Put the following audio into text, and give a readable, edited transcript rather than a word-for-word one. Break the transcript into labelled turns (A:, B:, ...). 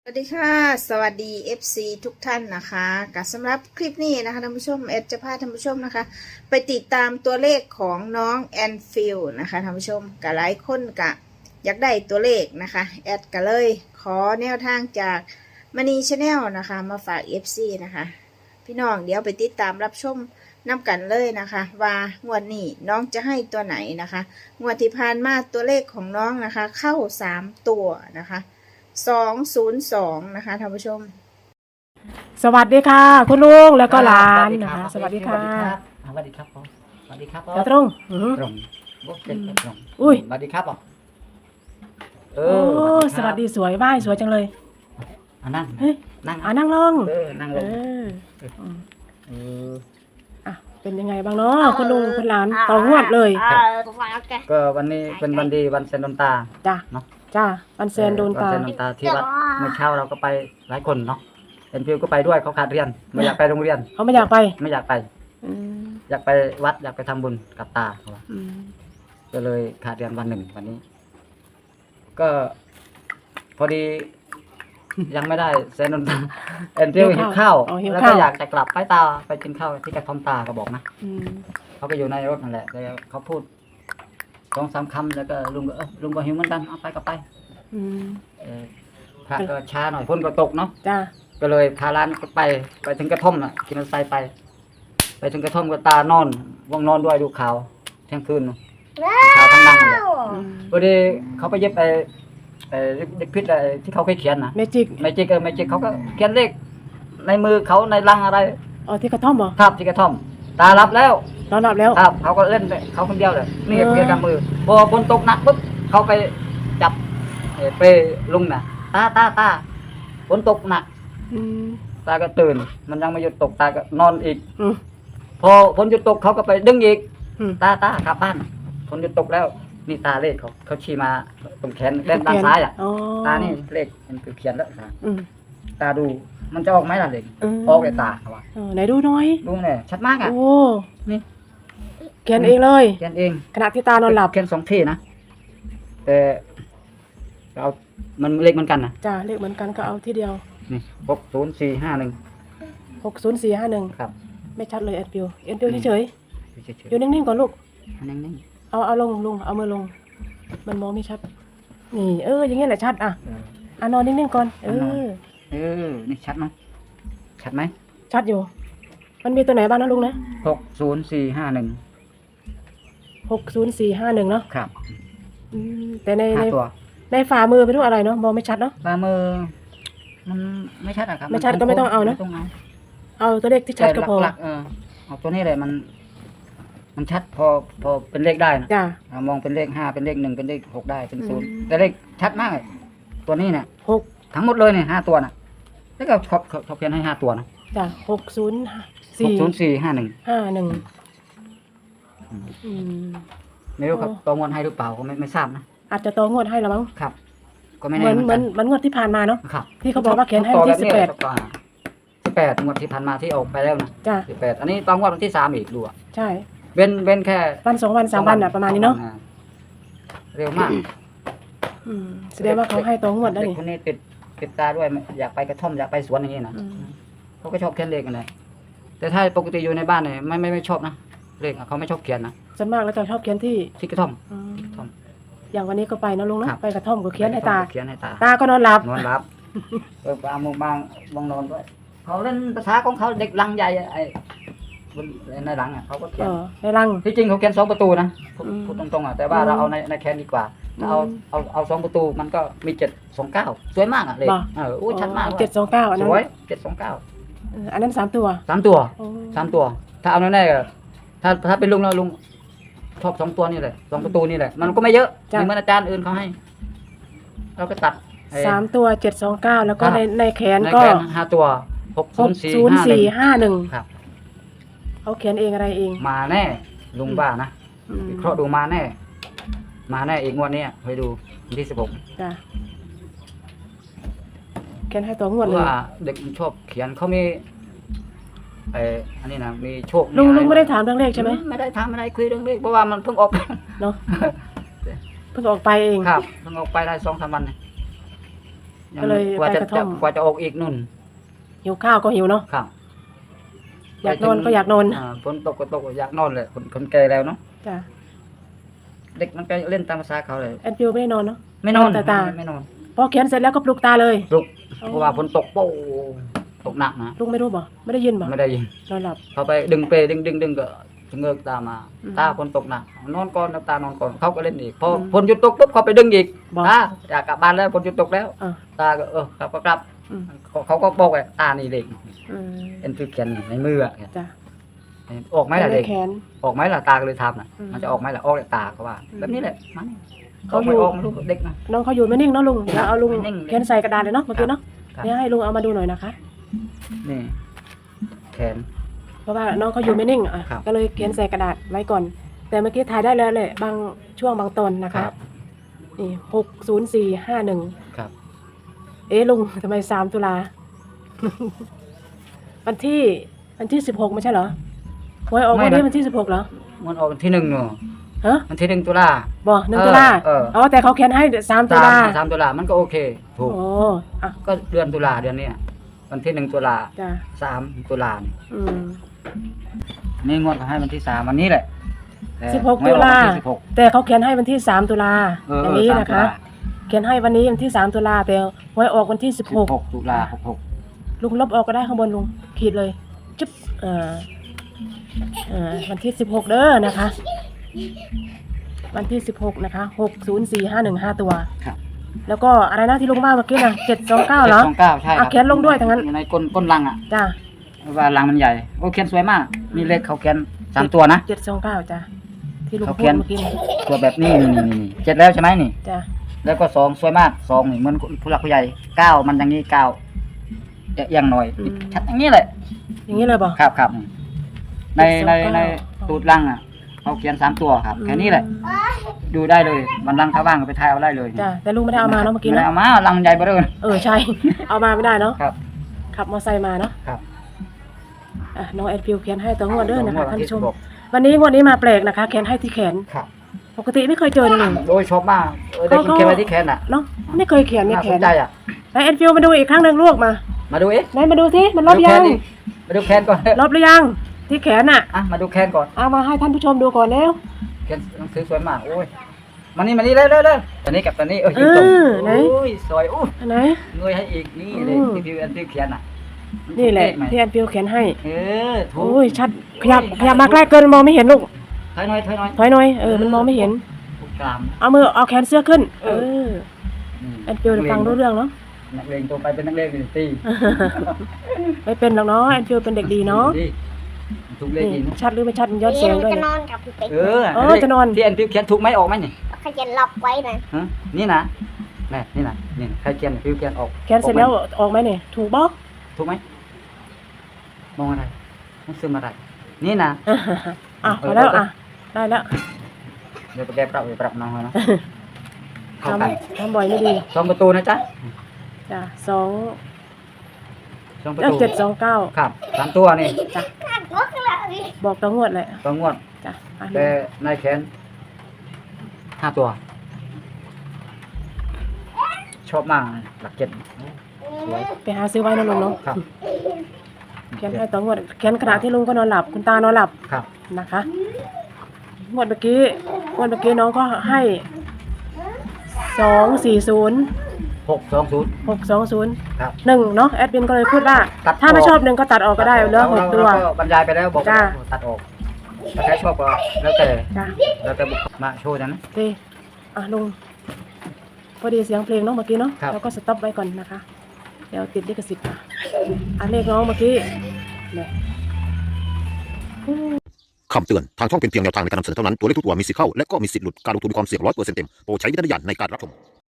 A: สวัสดีค่ะสวัสดี FC ทุกท่านนะคะกับสำหรับคลิปนี้นะคะท่านผู้ชมแอดจะพาท่านผู้ชมนะคะไปติดตามตัวเลขของน้องแอนฟิลนะคะท่านผู้ชมกับหลายคนกะอยากได้ตัวเลขนะคะแอดก็เลยขอแนวทางจากมณีชาแนลนะคะมาฝาก FC นะคะพี่น้องเดี๋ยวไปติดตามรับชมนำกันเลยนะคะว่างวดนี้น้องจะให้ตัวไหนนะคะงวดที่ผ่านมาตัวเลขของน้องนะคะเข้า3ตัวนะคะ202นะคะท่านผู้ชม
B: สวัสดีค่ะคุณลุงแล้วก็หลานนะคะสวัสดีค่ะ
C: สวัสดีครับผมสวัสดีครับผม
B: จะตรง
C: ตรงบุกเก็ตตรง
B: อุ้ย
C: สวัสดีครับผม
B: โอ้สวัสดีสวยบ้ายสวยจังเลย
C: นั่ง
B: เฮ้ย
C: นั่ง
B: นั่งลง
C: นั่งลง
B: อ่ะเป็นยังไงบ้างเนาะคุณลุงคุณหลานต่องวดเลย
C: ก็วันนี้เป็นวันดีวันเซนโดนตา
B: จ้า
C: เนาะ
B: จ้าวันเซนโดนตา
C: ที่ว่าเมื่อเช้าเราก็ไปหลายคนเนาะเอ็นฟิวก็ไปด้วยเขาขาดเรียนไม่อยากไปโรงเรียน
B: เขาไม่อยากไป
C: ไม่อยากไปอยากไปวัดอยากไปทำบุญกับตาเขาก็เลยขาดเรียนวันหนึ่งวันนี้ก็พอดียังไม่ได้เซนนเอ็นฟิวหิวข้าวแล้วก็อยากจะกลับไปตาไปกินข้าวที่กระท่อมตาก็บอกนะเขาก็อยู่ในรถนั่นแหละแล้วเขาพูด2-3 คำแล้วก็ลุงก็ลุงก็หิวเหมือนกันเอาไปก็ไปพระก็ช้าหน่อยฝนก็ตกเนาะ
B: จ้า
C: ก็เลยพาร้านก็ไปถึงกระท่อมน่ะกินรถไฟไปถึงกระท่อมก็ตานอนว่างนอนด้วยดูข่าวเที่ยงคืนข่าวทั้งดังเลยพอดีเขาไปเย็บเด็กพิษอะไรที่เขาเคยเขียนนะ
B: เมจิก
C: เขาก็เขียนเลขในมือเขาในลังอะไร
B: อ๋อที่กระท่อมเหรอ
C: ครับที่กระท่อมตารับแล้ว
B: นอนหลับแล้ว
C: ครับเขาก็เล่นเขาคนเดียวเลยนี่เพียงกับมือพอฝนตกหนักปุ๊บเขาไปจับไปลุงน่ะตาฝนตกหนักตาก็ตื่นมันยังไม่หยุดตกตาก็นอนอีกพอฝนหยุดตกเขาก็ไปดึงอีกตากลับบ้านฝนหยุดตกแล้วนี่ตาเลขเขาชี้มาตรงแขนด้านซ้ายอ่ะตานี่เลขมันคือเขียนแล้วตาดูมันจะออกไหมล่ะเลขออกเลยตาเขาว่า
B: ไหนดูหน่อย
C: ดูเนี่ยชัดมากอ่ะ
B: โอ้
C: นี่
B: เขียนเองเลย
C: เขียนเอง
B: ขณะที่ตานอนหลับ
C: เขียน2 ที่นะแต่เอามันเลขเหมือนกันนะ
B: จ้าเลขเหมือนกันก็เอาที่เดียว
C: นี่60451
B: 60451
C: ครับ
B: ไม่ชัดเลยเอ็นฟิวเฉยอยู่นิ่งๆก่อนลูก
C: นิ่ง
B: เอาลงเอามือลงมันมองไม่ชัดนี่อย่างเงี้ยแหละชัดอ่ะนอนนิ่งๆก่อน
C: นี่ชัดไหมชัดไหม
B: ชัดอยู่มันมีตัวไหนบ้างนะลุงนะ
C: 60451
B: 60451เนาะ
C: ครับ
B: แต่ในฝ่ามือเป็นรูปอะไรเนาะมองไม่ชัดเนาะ
C: ฝ่ามือมันไม่ชัดอะครับ
B: ไม่ชัดก็ไม่ต้องเอาเนาะเอาตัวเลขที่ชัดก็พอ
C: เอาตัวนี้เลยมันชัดพอเป็นเลขได้นะมองเป็นเลข5เป็นเลข1เป็นเลข6ได้เป็น0แต่เลขชัดมากตัวนี้เนี่ย6ทั้งหมดเลยเนี่ย5ตัวน่ะแล้วก็เขาเขียนให้5ตัวนะ
B: จ้ะ60451
C: ไม่รู้ครับตัวงวดให้หรือเปล่าก็ไม่ทราบนะ
B: อาจจะตัวงวดให้แล้วมั้ง
C: ครับก็ไม่แน่
B: เหมือนงวดที่ผ่านมาเนาะ
C: ครับ
B: ที่เขาบอกว่าเขียนให้ที่
C: 18งวดที่ผ่านมาที่ออกไปแล้วนะ
B: จ้ะ
C: 18อันนี้ตอนงวดวันที่3อีกดูอ่ะ
B: ใช่
C: เว้นแค่
B: วัน2วัน3วันอ่ะประมาณนี้เนาะ
C: เร็วมาก
B: แสดงว่าเขาให้ตัวงวดได้
C: นี่คนนี้ติดตาด้วยอยากไปกระท่อมอยากไปสวนอย่างนี้นะเขาก็ชอบเขียนเลขกันเลยแต่ถ้าปกติอยู่ในบ้านเนี่ยไม่ชอบนะเลขเขาไม่ชอบเขียนนะ
B: ส่วนมากแล้วจะชอบเขียนที่
C: กระท่อม
B: อย่างวันนี้ก็ไปนะลุงนะไปกระท่อมก็เขียนให้ตาก็
C: นอนหลับบางนอนด้วยเขาเล่นภาษาของเขาเด็กลังใหญ่ไอ้ในหลังอ่ะเขาก็เขียน
B: ในหลัง
C: ที่จริงเขาเขียน2 ประตูนะพูดตรงๆอ่ะแต่ว่าเราเอาในแคนดีกว่าเอา2 ประตูมันก็มี729สวยมากอ่ะเลยชัดมาก
B: 729อันนั้น
C: สวย729
B: อันนั้น3 ตัว
C: ถ้าเอาแน่ๆก็ถ้าเป็นลุงแล้วลุงชอบ2 ตัวนี่แหละ2 ประตูนี่แหละมันก็ไม่เยอะเหมือนอาจารย์อื่นเขาให้เราก็ตัด
B: 3 ตัว729แล้วก็ในแขนก็
C: 5 ตัว
B: 60451
C: ครับ
B: เขาเขียนเองอะไรเอง
C: มาแน่ลุงบ้านะวิเคราะห์ดูมาแน่อีกงวดนี้ไปดูวันที่16
B: จ้ะเขียนให้ตัวงวดเลย
C: ว่าเด็กมันชอบเขียนเขามีอันนี้นะมีโชค
B: ลุงไม่ได้ถามเรื่องเลขใช่ไหม
C: ไม่ได้ถามอะไรคุยเรื่องเลขเพราะว่ามันเพิ่งออก
B: เนาะเพิ่งออกไปเอง
C: ครับเพิ่งออกไปได้2-3 วัน
B: ก็เลย
C: กว่า
B: ไป
C: จะ
B: กระท่อม
C: กว่าจะออกอีกนู่น
B: หิวข้าวก็หิวเนาะ
C: ครับ
B: อยากนอนก็อยากนอน
C: ฝนตกก็ตกอยากนอนเลยคนแก่แล้วเนาะ
B: จ้ะ
C: เด็กมันก็เล่นตามภาษาเขาเลย
B: แอนฟิวไม่ได้นอนเนาะ
C: ไม่นอน
B: แต่ตา
C: ไม่นอน
B: พอเขียนเสร็จแล้วก็ปลุกตาเลย
C: ลุกเพราะว่าฝนตกโป้ตกหนักนะ
B: ลุงไม่รู้บ่ไม่ได้ยินบ่
C: ไม่ได้ยิน
B: นอนหลับ
C: เขาไปดึงเปดึงก็เงือกตามา
B: อืม
C: ตาฝนตกหนักนอนก่อนน้ำตานอนก่อนเขาก็เล่นอีกพอฝนหยุดตกปุ๊บเขาไปดึงอีก
B: บอก
C: ตาอยากกลับบ้านแล้วฝนหยุดตกแล้ว
B: อ่ะ
C: ตาก็ครับก็กลับ
B: อืม
C: เขาก็บอกว่าตานี่เด็ก
B: อืม
C: เอ็นฟิวเขียนในมืออะ
B: จ้ะ
C: ออกไหมล่ะเด็ก
B: แขน
C: ออกไหมล่ะตาก็เลยทำน่ะ
B: อืม
C: มันจะออกไหมล่ะออกแต่ตาเขาว่า
B: อืม
C: แบบนี้แหละมัน
B: เขา
C: เขา
B: อยู่
C: ไม่ออกลูกเด็กนะ
B: น้องเขาอยู่ไม่นิ่งเนาะลุงเดี๋ยวเอาลุง
C: ไม่นิ่ง
B: เขียนใส่กระดาษเลยเนาะเมื่อกี้เนาะ
C: ครับ
B: เดี๋ยวให้ลุงเอามาดูหน่อยนะคะ
C: นี่แขน
B: เพราะว่าน้องเขาอยู่ไม่นิ่งอ่ะ
C: ครับ
B: ก็เลยเขียนใส่กระดาษไว้ก่อน แต่เมื่อกี้ถ่ายได้แล้วแหละบางช่วงบางตอนนะคะนี่60451
C: ครับ
B: เอ๊ะลุงทำไม3 ตุลา วันที่16ไม่ใช่เหรอหวยออกวันนี้วันที่16เหรอ
C: มันออกวันที่หนึ่งเนาะ
B: ฮะ
C: วันที่1 ตุลา
B: บ่1 ตุลา
C: อ๋
B: แต่เขาเขียนให้3 ตุลา
C: 3 ตุลามันก็โอเคถูก
B: โอ้อ่ะ
C: ก็เดือนตุลาเดือนเนี้ยวันที่1 ตุลา
B: จ้ะ
C: 3 ตุลานี่
B: อืม
C: นี่งวดเขาให้วันที่3วันนี้แหละแต่
B: 16
C: ไม่
B: ตุ
C: ออก
B: ลา
C: วันที่16
B: แต่เขาเขียนให้วันที่3 ตุลา อย่างนี้
C: 3
B: นะคะ
C: ตุลา
B: เขียนให้วันนี้วันที่3 ตุลาแต่หวยออกวันที่
C: 16 ตุลา66
B: ลุงลบออกก็ได้ข้างบนลุงขีดเลยจุ๊บวันที่16เด้อนะคะ วันที่16นะคะ60451 5 ตัว
C: ครับ
B: แล้วก็อะไรนะที่ลุงว่าเมื่อกี้นะ729เหรอ
C: 729ใช่ครั
B: เขียนลงด้วยทั้งนั้น
C: อยู่ในก้นลังอ่ะ
B: จ้า
C: ว่าลังมันใหญ่โอ้เขียนสวยมากนี่เลขเขาเขียน3 ตัวนะ
B: 729จ้าที่ลุง
C: เขา
B: พู
C: เขี
B: ด
C: ยน
B: เมื่อกี้นี่
C: ตัวแบบนี้นี่เจ็ดแล้วใช่ไหมนี่
B: จ้า
C: แล้วก็2สวยมาก2นี่เหมือนผู้หลักผู้ใหญ่9มันอย่างนี้9จะเอียงหน่อยชัดอย่างนี้แหละ
B: อย่างนี้เลยบอก
C: ครับใน
B: 729
C: ในตูดลังอ่ะเขาเขียน3 ตัวครับแค่นี้แหละดูได้เลยวันลังถ้าว่างก็ไปทายเอาได้เลย
B: จ้าแต่ลุงไม่ได้เอามาเนาะเมื่อกี้
C: ไม่ได้
B: เนาะ
C: เอามาลังใหญ่เบ้อเลย
B: ใช่ เอามาไม่ได้เนาะ
C: ครับ
B: ขับมอเตอร์ไซค์มาเนาะ
C: ครับ
B: น้องแอดฟิวเขียนให้ตัวงวดเด้อนะคะท่านผู้ชม
C: บอก
B: วันนี้งวดนี้มาแปลกนะคะเขียนให้ที่แขน
C: ครับ
B: ปกติไม่เคยเจอเลยลุง
C: โอ้ยชอบมากได้กินเค็มไว้ที่แขนอ่ะ
B: เนาะไม่เคยเขียนใน
C: น่า
B: แข
C: ส
B: น
C: นใจอ่ะ
B: แล้วแอนฟิวมาดูอีกครั้งหนึ่งลูกมา
C: มาดูเอ๊ะ
B: ไหนมาดูสิมันลบ
C: ดูแข
B: ยั
C: น
B: ง
C: ดิมาดูแขนก่อน
B: ลบหรือยังที่แขนน่ะ
C: อ่ะมาดูแขนก่อน
B: เอามาให้ท่านผู้ชมดูก่อนแล้ว
C: แขนหนังสือสวยมากโอ้ยมานี่เร็วตอนนี้กับตอนนี้ยิงตรงโอ้ยสวยอู้
B: อันไหน
C: เงยให้อีกนี่เลยที่พี่อันที่เขียนอ่ะ
B: นี่แหละ
C: ถูกเขไหม
B: ที่แอนฟิวเขียนให้
C: ถูก
B: โอ้ยชัดขยับมาใกล้เกินมองไม่เห็นลูก
C: ถอยหน่อย
B: ถอยหน่อยมันมองไม่เห็น
C: ถูกกลาม
B: เอาแขนเสื้อขึ้นแอนฟิว
C: นักเรียน
B: ฟังรู้เรื่องเนาะ
C: นักเรียนตัวไปเป็นนักเรียนเป็นตี
B: ไม่เป็นหรอกเนาะแอนฟิวเป็นเด็กดีเนาะ
C: ดีถูกเลข
B: นี่
C: อีก
B: ชัดหรือไม่ชัดมันย้อนแสงด้วย
D: จะนอนกับพี่เป๊ก
B: จะนอน
C: ที่อันที่เขียนถูกไหมออกไหมนี่
D: เขาจะล็อกไว้นะ
C: ฮะนี่นะนี่นะนี่ใครเขียนฟิวเขียนออก
B: แขนเสร็จแล้วออกไหมเนี่ยถูกบ่
C: ถูกไหมมองอะไรมันซึมอะไรนี่นะ
B: พอแล้วได้แล้ว
C: เดี๋ยวไปแก้ปรับน้องเขานะเข้ากัน
B: ทำบ่อยไม่ดี
C: 2 ประตูนะจ๊ะ
B: จ้ะ
C: 2 ประตู
B: 729
C: ครับ3 ตัวนี่
B: จ้ะ
D: ขาดงกเลย
B: บอกตัวงวดเลย
C: ตัวงวด
B: จ้ะ
C: แต่ในแขน5 ตัว ชอบมากหลักเจ็ดสวย
B: ไปหาซื้อไว้นะลุงเนาะ
C: ครับ
B: เขียนให้ตัวงวดเขียนขณะที่ลุงก็นอนหลับคุณตานอนหลับ
C: ครับ
B: นะคะงวดเมื่อกี้น้องก็ให้240
C: 620
B: 620
C: ครับ
B: 1เนาะแอดมินก็เลยพูดว่า
C: ตัด
B: ถ้าไม่
C: ออก
B: ชอบ1ก็ตัดออกก็ได้เหลือ6 ตัว
C: เราก็บรรยายไปแล้วบอก
B: จ้า
C: ตัดออกถ้าใครชอบก็แล้วแต่
B: จ้ะ
C: แล้วแต่บุคคลมาโชว์นะ
B: โอเคลุงพอดีเสียงเพลงเนาะเมื่อกี้เนาะ
C: ครับ
B: แล้วก็สต็อปไว้ก่อนนะคะเดี๋ยวติดลิขสิทธิ์เลขน้องเมื่อกี้เนี่ย
E: คำเตือน ทางช่องเป็นเพียงแนวทางในการนำเสนอเท่านั้น ตัวเลขทุกตัวมีสิทธิ์เข้า และก็มีสิทธิ์หลุด การลงทุนมีความเสี่ยง100%เต็ม โปรดใช้วิจารณญาณในการรับชม